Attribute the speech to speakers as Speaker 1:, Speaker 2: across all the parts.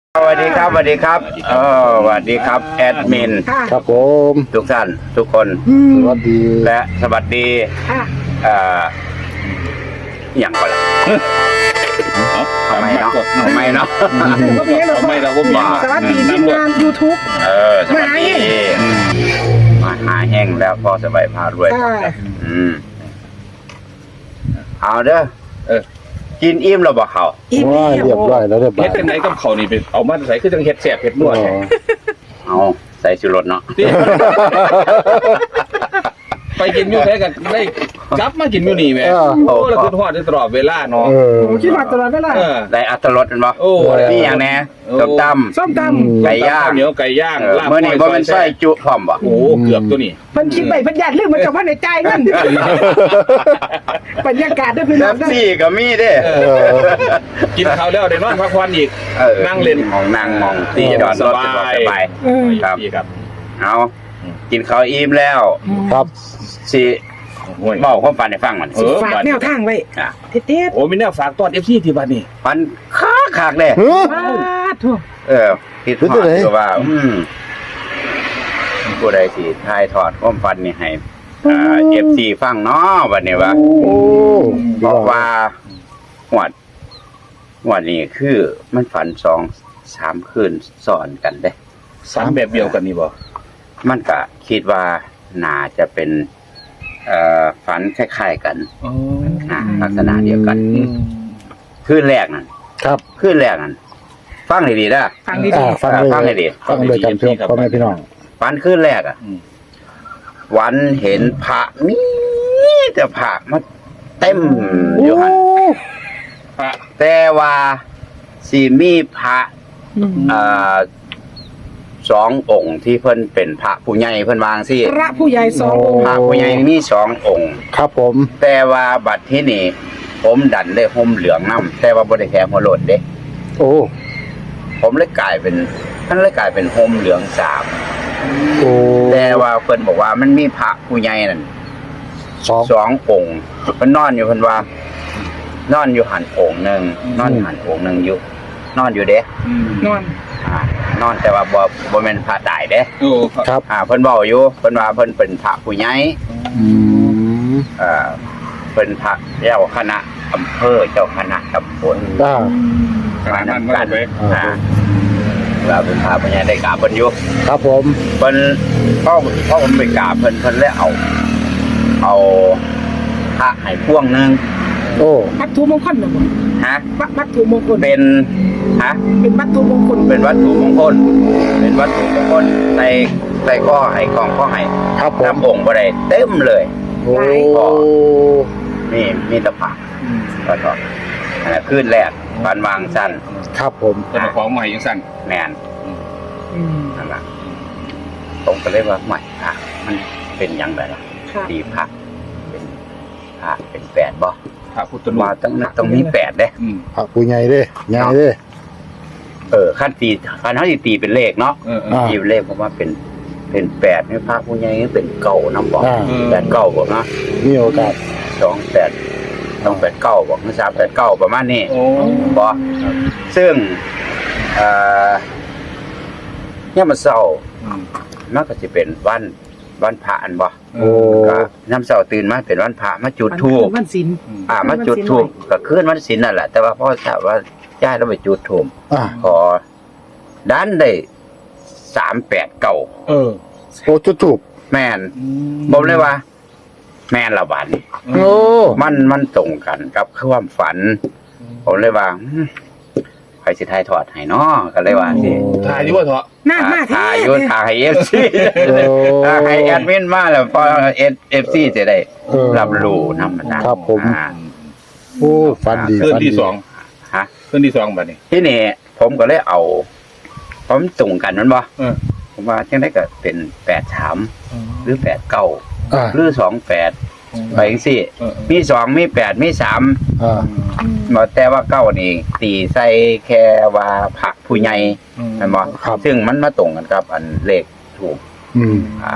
Speaker 1: สวัสดีครับสวัสดีครับสวัสดีครับแอดมิน
Speaker 2: ครับผม
Speaker 1: ทุกท่านทุกคน
Speaker 2: สวัสดี
Speaker 1: และสวัสดีอย่างก่อนละทำไมเนาะทำไมเนาะ
Speaker 3: ทำไมเราก็มี
Speaker 2: สวัสดีทีมงาน YouTube
Speaker 1: สวัสดีมาหาแห้งแล้วพอสบายพารวยเอาเด้อกินอิ่มเราบอกเขา
Speaker 2: ว่าเรียบร้อยแล้วเรียบร้อ
Speaker 3: เฮ็
Speaker 2: ย
Speaker 3: ดจังไหนกับเขานี่เป็นเอามาใส่คือจังเฮ็ดแซ่บเฮ็ดนวด
Speaker 1: เอาใส่ชูรสเนาะ
Speaker 3: ไปกินอยู่ไสกันได้กลับมากินอยู่นี่แหม่โอ้แล้วคือทอดได้ตลอดเวลาเนาะ
Speaker 2: คิดว่าตลอดเวลา
Speaker 1: ได้อัตรสเป็นบ่
Speaker 3: โอ้
Speaker 1: นี่อย่างแน่ส้มตำไก่ย่าง
Speaker 3: เหนียวไก่ย่างลาบ
Speaker 1: เมื่อนี้บ่เป็นไส้จุพร้อมบ่
Speaker 3: โอ้เกือบตัวนี้
Speaker 4: เพิ่นคิดไปเพิ่นอยากเรื่องมันกับว่าในใจนั่นบรรยากาศด้วยพี่น้
Speaker 1: แล้
Speaker 4: อ
Speaker 1: ว
Speaker 4: งนะ
Speaker 1: ซี่ก็มีเด้
Speaker 3: กินข้าวแล้วได้นอนพักผ่อนอีกนั่งเล่น
Speaker 1: มองนั่งมองตีจอดรถสบาย
Speaker 3: ครับ
Speaker 1: เอากินข้าวอิ่มแล้ว
Speaker 2: ครับ
Speaker 1: สิเว้าความฝันให้ฟังมัน
Speaker 4: ฝากแนวทางไว้
Speaker 1: อ่ะ
Speaker 4: เด็ด
Speaker 3: โอ้มีแนวฝากตอน FC ที่บ้านนี่
Speaker 1: ฝันคักๆเด้
Speaker 4: ๆทั่ว
Speaker 1: คิดฮอดคือว่าผู้ใดสิถ่ายทอดความฝันนี่ให้FC ฟังเนาะบัดนี้ว่า
Speaker 2: โอ้
Speaker 1: บอกว่าหวดนี้คือมันฝัน2-3คืนซ้อนกันเด้
Speaker 3: สามแบบเดียวกันนี่บ่
Speaker 1: มันก็คิดว่าน่าจะเป็นฝันคล้ายๆกันลักษณะเดียวกันคืนแรกนั่น
Speaker 2: ครับ
Speaker 1: คืนแรกนั่นฟังให้ดีนะ
Speaker 4: ฟังดี
Speaker 2: ฟังเลย
Speaker 1: ฟังให้ดี
Speaker 2: ฟังเลยกันเพื่อนพ่อแม่พี่น้อง
Speaker 1: ฝันคืนแรกวันเห็นพระมีแต่พระมาเต็มอยู่หัน
Speaker 3: พระ
Speaker 1: แต่ว่าสิมีพระสององค์ที่เพิ่นเป็นพระผู้ใหญ่เพิ่นวางสิ
Speaker 4: ๆพระผู้ใหญ่สององค์
Speaker 1: พระผู้ใหญ่มี2องค์
Speaker 2: ครับผม
Speaker 1: แต่ว่าบัดที่นี่ผมดันได้ห่มเหลืองน้ำแต่ว่าบ่ได้แค่หัวโลดเด้
Speaker 2: โอ้
Speaker 1: ผมเลยกลายเป็นท่านเลยกลายเป็นห่มเหลือง3
Speaker 2: โอ้
Speaker 1: แต่ว่าเพิ่นบอกว่ามันมีพระผู้ใหญ่นั่น
Speaker 2: สอง
Speaker 1: 2องค์เพิ่นนอนอยู่เพิ่นว่า นอนอยู่หันองค์หนึงนอนอยู่หันองค์หนึงอยู่นอนอยู่เด้
Speaker 4: นอน
Speaker 1: นอนแต่ว่าบ่แม่นพระตายเด้
Speaker 3: โอ้
Speaker 2: ครับ
Speaker 1: เพิ่นเว้าอยู่เพิ่นว่าเพิ่นเป็นพระผู้ใหญ่
Speaker 2: อืม
Speaker 1: เป็นพระเจ้าคณะอำเภอเจ้าคณะตำบล
Speaker 3: ขนาดนั้นก็ไป
Speaker 1: เราเป็นพระผู้ใหญ่ได้กราบเพิ่นอยู่
Speaker 2: ครับผม
Speaker 1: เพิ่นพ่อผมไปกราบเพิ่นเลยเอาพระให้พวงหนึง
Speaker 2: โอ้
Speaker 4: วัตถุมงคลเหรอบ่
Speaker 1: ฮะ
Speaker 4: วัตถุมงคล
Speaker 1: เป็นฮะ
Speaker 4: เป็นวัตถุมงคล
Speaker 1: เป็นวัตถุมงคลเป็นวัตถุมงคลใส่ข้อให้ของข้อให้
Speaker 2: ครับผม
Speaker 1: น้ำองค์บ่ได้เต็มเลย
Speaker 2: โอ้
Speaker 1: นี่มีแตะพระแล้วก็คืนแรกบ้านวางสั้น
Speaker 2: ครับผม
Speaker 3: เจ้าของใหม่ยังสั่น
Speaker 1: แมนนั่นแหละผมก็เลยว่าใหม่พระมันเป็นยังไงล่ะตีพระเป็นพระเป็น8บ่
Speaker 3: พระพุทธรูป
Speaker 1: ว่าต้องมี8เด้
Speaker 2: พระผู้ใหญ่เด้ใหญ่เด้
Speaker 1: ขั้นเฮาสิตีเป็นเลขเนาะตีเป็นเลขผมว่าเป็น8นี่พระผู้ใหญ่เป็นเก่านำบ่8 9บ่เนาะ
Speaker 2: มีโอกาส
Speaker 1: 28ต้อง8 9บ่คือ3 8 9ประมาณนี้
Speaker 3: โอ้
Speaker 1: บ่ซึ่งเนี่ยมันเศร้ามันก็สิเป็นวันพระอันบ่
Speaker 2: โอ้
Speaker 1: ก็น้ำเช้าตื่นมาเป็นวันพระมาจุดธูป
Speaker 4: วันศีล
Speaker 1: มาจุดธูปก็คืนวันศีลนั่นแหละแต่ว่าพ่อทราบว่าย่าเราไปจุดธูป พอดันได้389
Speaker 3: เออ
Speaker 2: โอ้จุดถูก
Speaker 1: แม่นผมเลยว่า แม่นละบัด
Speaker 2: โอ้
Speaker 1: มันตรงกันกับความฝัน ผมเลยว่าใครสิทายทอดให้เนาะก็เลยว่าสิ
Speaker 3: ถ่ายอยู่ว่าเถอะ
Speaker 4: หน้ามาแท้
Speaker 1: ถ่ายอยู่ถ่ายให้ FC ถ่ายให้แอดมินมาแล้วพอ FC จะได้รับรู้นำมันนะครับ
Speaker 2: ผม โอ้ฟันดี
Speaker 3: คืน
Speaker 2: ฟันดี
Speaker 3: ที่สอง
Speaker 1: ฮะ
Speaker 3: คืนที่2บัดนี้
Speaker 1: ที่นี่ผมก็เลยเอาผมตรงกันมันบ่ ผมว่าจังได๋ก็เป็น83หรือ89หรือ28ไปจังซี่มี2มี8มี3บ่แต่ว่า9นี่ตีใส่แค่ว่าพระผู้ใหญ่แม่นบ่ซึ่งมันมาตรงกันกับอันเลขถูก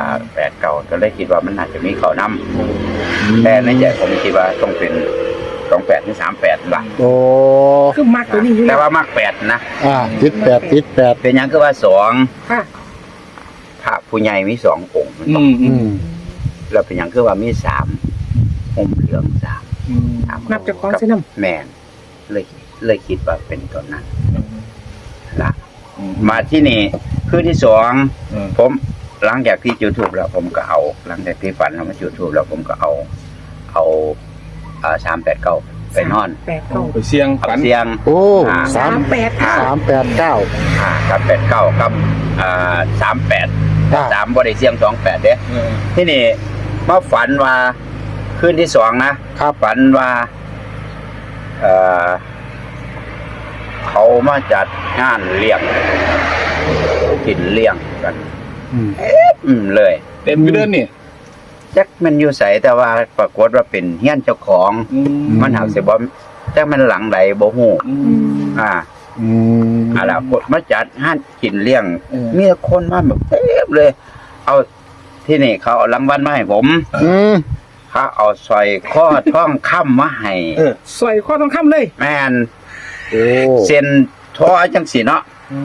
Speaker 1: 89ก็เลยคิดว่ามันน่าจะมีเข้านำแต่ในใจผมคิดว่าต้องเป็น 28หรือ38ล่ะ
Speaker 2: โอ้
Speaker 4: คือมักตัวนี้อยู่
Speaker 1: แต่
Speaker 4: แล้ว
Speaker 1: ว่ามัก8นะ
Speaker 2: ติดแปดติดแปด
Speaker 1: เป็นหยังคือว่า2
Speaker 4: ค่ะ
Speaker 1: พระผู้ใหญ่มี2องค์ แล้วเป็นหยังคือว่ามี3ห่มเหลือง3
Speaker 4: นับจากของเส้นน้ำ
Speaker 1: แม่นเลยคิดว่าเป็นตัวนั้นล่ะมาที่นี่คืนที่2ผมหลังจากที่จุดธูปแล้วผมก็เอาหลังจากที่ฝันแล้วมาจุดธูปแล้วผมก็เอา389ไปนอน
Speaker 4: 89
Speaker 3: ไปเสี่ยง
Speaker 1: เอา
Speaker 3: ฝัน
Speaker 1: เสียง
Speaker 2: โอ้
Speaker 4: 38
Speaker 2: 389
Speaker 1: กับ89กับ38 3บ่ได้เสียง28เด้ ที่นี่มาฝันว่าคืนที่2นะครับฝันว่าเขามาจัดงานเลี้ยงกินเลี้ยงกัน เลย
Speaker 3: เต็มไปเดินนี่
Speaker 1: จักมันอยู่ใสแต่ว่าปรากฏว่าเป็นเฮียนเจ้าของมันหาสิบ่จักมันหลังใดบ่ฮู้ล่ะมาจัดงานกินเลี้ยงมีคนมาแบบเต็มเลย เอาที่นี่เขาเอารางวัลมาให้ผมเขาเอาสร้อยข้อทองคำมาให้
Speaker 4: สวยข้อต้องคำเลย
Speaker 1: แม่น
Speaker 2: โอ้
Speaker 1: เส้นทอจังสีเนาะ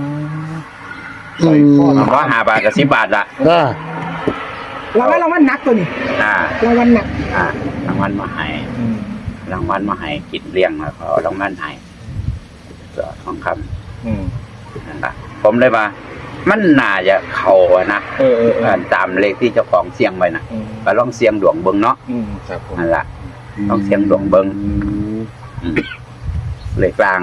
Speaker 1: ว่า5 บาทกับ10 บาทละ
Speaker 4: รางวัลหนักตัวนี้ รางวัลหนัก
Speaker 1: รางวัลมาให้รางวัลมาให้กินเลี้ยงแล้วเขาเอารางวัลให้ก็ทองคำนั่นละผมเลยว่ามันน่าจะเข้านะตามเลขที่เจ้าของเสียงไว้นะก็ลองเสียงดวงเบิ่งเนาะนั่นละลองเสียงดวงเบิ่งเลขกลาง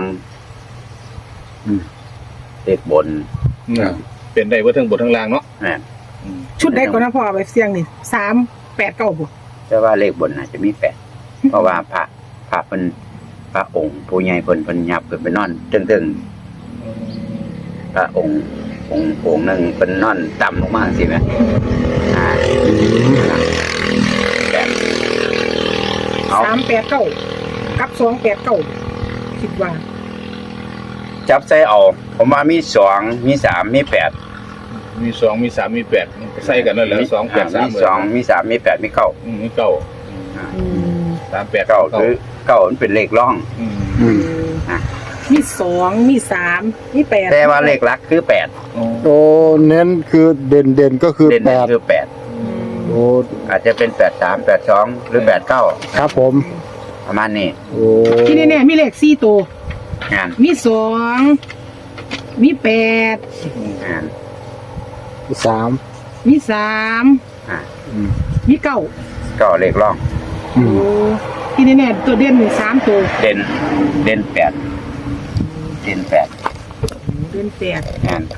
Speaker 1: เลขบน
Speaker 3: เป็นได้เบ่ทั้งบนทั้งล่างเนาะ
Speaker 4: ชุดใดก่อนนะพ่อเอาไปเสี่ยงนี่389บ่
Speaker 1: แต่ว่าเลขบนน่าจะมี8เพราะว่าพระเป็นพระองค์ผู้ใหญ่เพิ่นยับขึ้นไปนอนตึงๆพระองค์หนึ่งเป็นนอนต่ำลงมาสิแม่
Speaker 4: 389กับ289คิดว่า
Speaker 1: จับใจเอาผมว่ามี2มี3มี8
Speaker 3: มี2มี3มี8ใส่กันนั่นแหละ2 8 3
Speaker 1: มี2มี3มี8มี9
Speaker 3: มี9 3 8
Speaker 1: 9คือ9มันเป็นเลขร่อง
Speaker 4: มี2มี3มี8
Speaker 1: แต่ว่าเลขหลักคือ8
Speaker 2: โอ้เน้นคือเด่นก็คือ
Speaker 1: เด่น
Speaker 2: 8
Speaker 1: คือ8
Speaker 2: โอ้
Speaker 1: อาจจะเป็น83 82หรือ89
Speaker 2: ครับผม
Speaker 1: ประมาณนี้
Speaker 2: โอ้
Speaker 4: ที่แน่ๆมีเลข4ตัว
Speaker 1: งาน
Speaker 4: มี2มี8
Speaker 1: งาน
Speaker 2: 3
Speaker 4: มี3มี9
Speaker 1: ก็เลขร่อง
Speaker 4: โอ้ที่แน่ๆตัวเด่นนี่3ตัว
Speaker 1: เด่น8เด่น8
Speaker 4: เด่น8
Speaker 1: งาน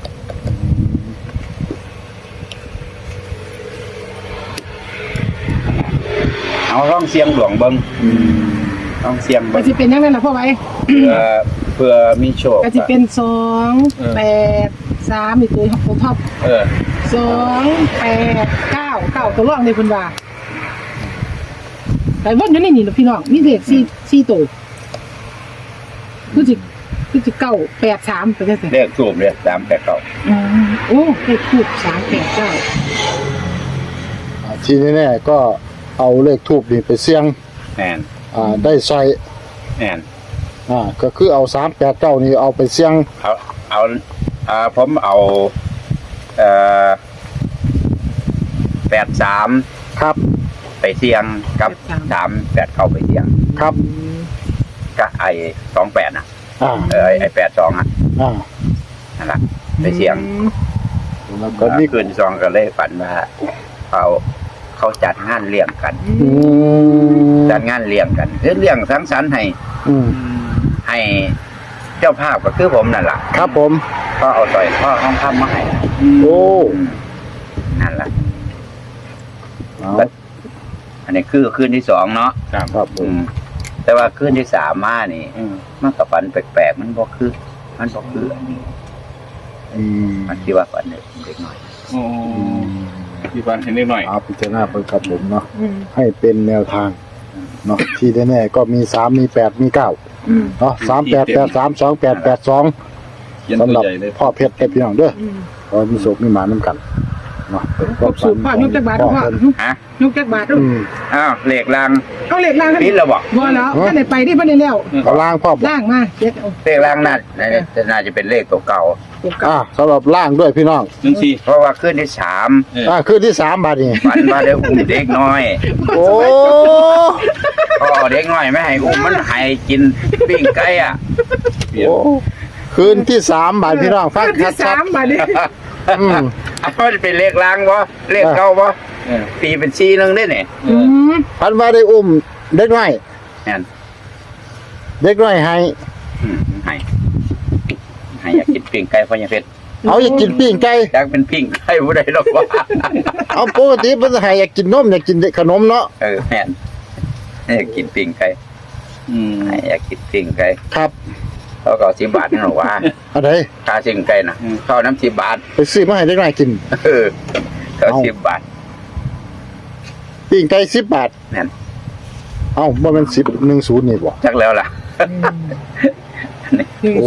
Speaker 1: เอาร่องเสียงหลวงเบิ้งร่องเสียง
Speaker 4: ก็
Speaker 1: เบิ้ง
Speaker 4: สิเป็นจังได๋ล่ะพ่อไว้
Speaker 1: เพื่อมีโชค
Speaker 4: ก็สิเป็น2 8 3นี่ตัวท็อป2 8 9ตัวรองนี่เพิ่นว่าแต่วนอยู่ในนี่ล่ะพี่น้องมีเลข4ตัวคือสิ9 8 3ไปจังซี่
Speaker 1: เลขสูบเลย389
Speaker 4: โอ้เลขทูป389
Speaker 2: ทีนี้แน่ก็เอาเลขทูบนี่ไปเสี่ยง
Speaker 1: แม่น
Speaker 2: ได้ใส่
Speaker 1: แม่น
Speaker 2: ก็คือเอา389นี่เอาไปเสี่ยง
Speaker 1: เอาผมเอา83
Speaker 2: ครับ
Speaker 1: ไปเสี่ยงกับ389ไปเสี่ยง
Speaker 2: ครับ
Speaker 1: ก็ไอ้28น่ะ ไอ้82อ่ะ นั่นล่ะไปเสี่ยง
Speaker 2: แล้วก็มี
Speaker 1: คืน2ก็เลยฝันว่าเขาจัดงานเลี้ยงกันจัดงานเลี้ยงกันคือเลี้ยงสังสรรค์ให้เจ้าภาพก็คือผมนั่นล่ะ
Speaker 2: ครับผม
Speaker 1: ก็เอาสร้อยคอทองคำมาให้
Speaker 2: โอ้
Speaker 1: นั่นล่ะ
Speaker 2: เอา
Speaker 1: อันนี้คือคืนที่2เนาะ
Speaker 2: ครับผม
Speaker 1: แต่ว่าคืนที่3มานี่มันก็ฝันแปลกๆมันบ่คืออันนี้มันคิดว่าฝันเด็กน้อย
Speaker 3: ที่บ้านเห็นนิดหน่อย
Speaker 2: เอาพิจารณาไปครับผมเนาะให้เป็นแนวทางเนาะที่แน่ๆก็มี3มี8มี9เนาะ3883 2882
Speaker 3: เขียน
Speaker 2: สำห
Speaker 3: ตั
Speaker 2: รั
Speaker 3: ว
Speaker 2: บ
Speaker 3: ใหญ่เลย
Speaker 2: พ่อเพชรแต่พี่น้องเด้อขอมีโชคมีหมานํกันเนาะ
Speaker 4: ครบสูตรพ่อยกจักบาทพ่อ
Speaker 1: ฮะ
Speaker 4: ยกจักบาทดู
Speaker 1: อ้าวเลขราง
Speaker 4: เอาเหล็กล่างกัน
Speaker 1: ปิดแล้วบ่
Speaker 4: บ่แล้วท่านไหนไปที่เพิ่นได้แล้ว
Speaker 2: เอาล่างพ่อบอก
Speaker 4: ล่างมาเจ็ดเอา
Speaker 1: เลขรางน่าจะเป็นเลขตัวเก่า
Speaker 4: ตัวเก่า
Speaker 2: สำหรับล่างด้วยพี่น้อง
Speaker 3: 14
Speaker 1: เพราะว่าขึ้นที่3
Speaker 2: คืนที่3บาทนี่
Speaker 1: ฝันว่าได้อุ้มเด็กน้อย
Speaker 2: โอ้
Speaker 1: พอเอาเด็กน้อยไม่ให้อุ้มมันให้กินปิ้งไก่อ่ะ
Speaker 2: โอ้คืนที่3บาทพี่น้องฟัง
Speaker 4: ที่
Speaker 2: ชัด
Speaker 4: สามบาทนี่
Speaker 2: ๆอืม
Speaker 1: มันเป็นเลขรางบ่เลขเก่าบ่ตีเป็น4นึงได้นี่
Speaker 2: พันว่าได้อุ้มเด็กน้อย
Speaker 1: นั่น
Speaker 2: เด็กน้อยให้
Speaker 1: ให้อยากกินปิ้งไก่พ่อยังเพชร
Speaker 2: เอาอยากกินปิ้งไก่
Speaker 1: อยากเป็นปิ้งไก่ผู้ใดหรอกว่า
Speaker 2: เอาปกติเพิ่นให้อยากกินนมอยากกินขนมเนาะ
Speaker 1: แม่นอยากกินปิ้งไก่อยากกินปิ้งไก่
Speaker 2: ครับ
Speaker 1: เขาก็10 บาทนั่นหรอว่า
Speaker 2: อะไร
Speaker 1: ค่าปิ้งไก่น่ะข้าวน้ำ10 บาท
Speaker 2: ไปซื้อมาให้เด็กน้อยกิน
Speaker 1: ก็10 บาท
Speaker 2: ปิ้งไก่10 บาท
Speaker 1: นั่น
Speaker 2: เอ้าบ่แม่น10 10นี่บ่
Speaker 1: จักแล้วล่ะ
Speaker 2: โอ้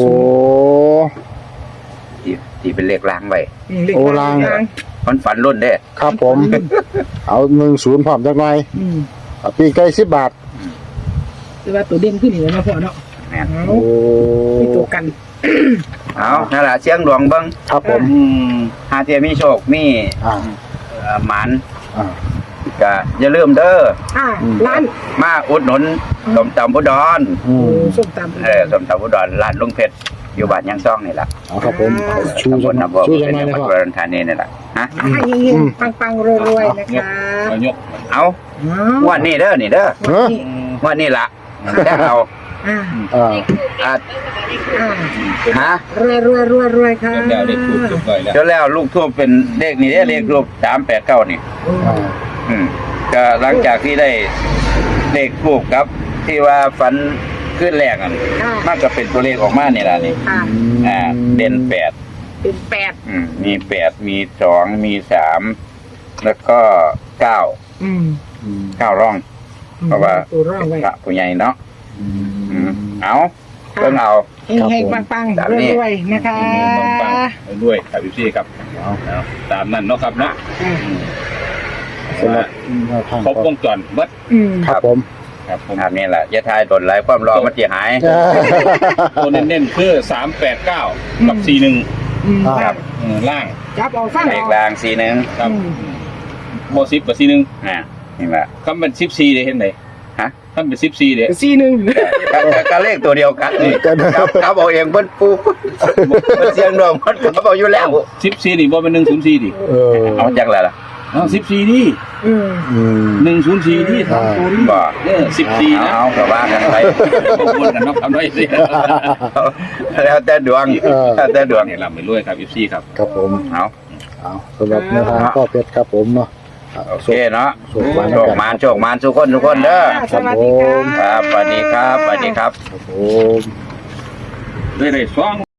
Speaker 1: ที่เป็นเลขรางไว้
Speaker 2: โอ้ล่าง
Speaker 1: มันฝันรุ่นเด้
Speaker 2: ครับผม เอา10พร้อมจักหน่อยเอาปิ้งไก่10 บาท
Speaker 4: คือว่าตัวเด่นขึ้นนี่นะพ่อเนาะ
Speaker 1: แม่น
Speaker 2: โอ้
Speaker 4: มีตัวกัน
Speaker 1: เอานั่นล่ะเสียงดวงเบิ่ง
Speaker 2: ครับผม
Speaker 1: หาเทียมีโชคมี
Speaker 2: อ่า
Speaker 1: หมาน
Speaker 2: อ่า
Speaker 1: ก็อย่าลืมเด้อ
Speaker 4: ร้าน
Speaker 1: มาอุดหนุนสมตำอุดร
Speaker 4: ส้มตำ
Speaker 1: สมตำอุดรร้านลุงเพชรอยู่บ้านยังซ่องนี่ล่ะ
Speaker 2: เอาครับผมชู
Speaker 1: ตำบ
Speaker 2: จั
Speaker 1: ล
Speaker 2: ง
Speaker 1: น้ำบ่อ
Speaker 2: ชู
Speaker 1: เป็
Speaker 2: จั
Speaker 1: น
Speaker 2: งหน่อย
Speaker 1: จังห
Speaker 2: นะ
Speaker 1: วัด
Speaker 2: พ่อ
Speaker 1: อุดรธานีนี่ล่ะฮะ
Speaker 4: ให้เฮงๆปังๆรวยๆนะคะ
Speaker 3: ยก
Speaker 1: เอาวันนี้เด้อนี่เด้อ
Speaker 2: เฮ้อ
Speaker 1: วันนี้ล่ะแต่เอา
Speaker 2: อ่า
Speaker 1: อ่ะฮะ
Speaker 4: รวยค่ะ
Speaker 3: แล้วได้ถูกจุดก่อยแล้ว
Speaker 1: จนแล้วลูกทูบเป็นเลขนี่เด้อเลขรูป389นี่
Speaker 2: อ่า
Speaker 1: ก็หลังจากที่ได้เลขทูบครับ ที่ว่าฝันขึ้นแรกมันมันก็เป็นตัวเลขออกมานี่ล่ะนี่ เด่น8
Speaker 4: เป็น8
Speaker 1: มี8มี2มี3แล้วก็9ร่อง เพราะว่า
Speaker 4: ตัวร่องไว้
Speaker 1: พระผู้ใหญ่เนาะเอาเพิ่งเอา
Speaker 4: เฮงๆปังๆรวยๆนะคะ
Speaker 3: ปังๆด้วยครับพี่ครับตามนั้นเนาะครับเนาะ
Speaker 2: สำหรับแนวทาง
Speaker 3: ครบวงจรวัด
Speaker 2: ครับผม
Speaker 3: ครับผม
Speaker 1: ครับนี่แหละอยะทายตนไหลความรอมันจะหาย
Speaker 3: ตัวเน้นๆคือ389กับ41ครับล่าง
Speaker 4: จับเอาฟัง
Speaker 1: เลข
Speaker 4: เอา
Speaker 1: ราง41
Speaker 3: ครับโม10กับ41
Speaker 1: นี่แหละ
Speaker 3: คำเป็น14ได้เห็นไหน
Speaker 1: ฮะ
Speaker 3: คำเป็น14เด้
Speaker 1: ก็เลขตัวเดียวกันนี่ครับเอาเองเพิ่นปูมันเสียงดองมันก็เอาอยู่แล้ว
Speaker 3: 14นี่บ่เป็น104ดิ
Speaker 1: เอาจังแล้วล่ะ
Speaker 3: 14นี่104ที่ทำตัวนี้
Speaker 1: บ่
Speaker 3: 14นะ
Speaker 1: เอาก็ว่ากันไป
Speaker 3: บางคนกันเนาะทำได้สิ
Speaker 1: แล้วแต่ดวงแล้วแต่ดวง
Speaker 3: เนี่ยลำไปรวยครับ14ครับ
Speaker 2: ครับผม
Speaker 1: เอา
Speaker 2: เอาสำหรับแนวทางพ่อเพชรครับผมเนาะ
Speaker 1: โอเคเนาะ
Speaker 2: โชคมา
Speaker 1: โชคมานทุกคนเด้อ
Speaker 4: สวัสดีค่ะ
Speaker 1: ครับสวัสดีครับสวัสดีครับ
Speaker 2: ครับผม
Speaker 3: ได้2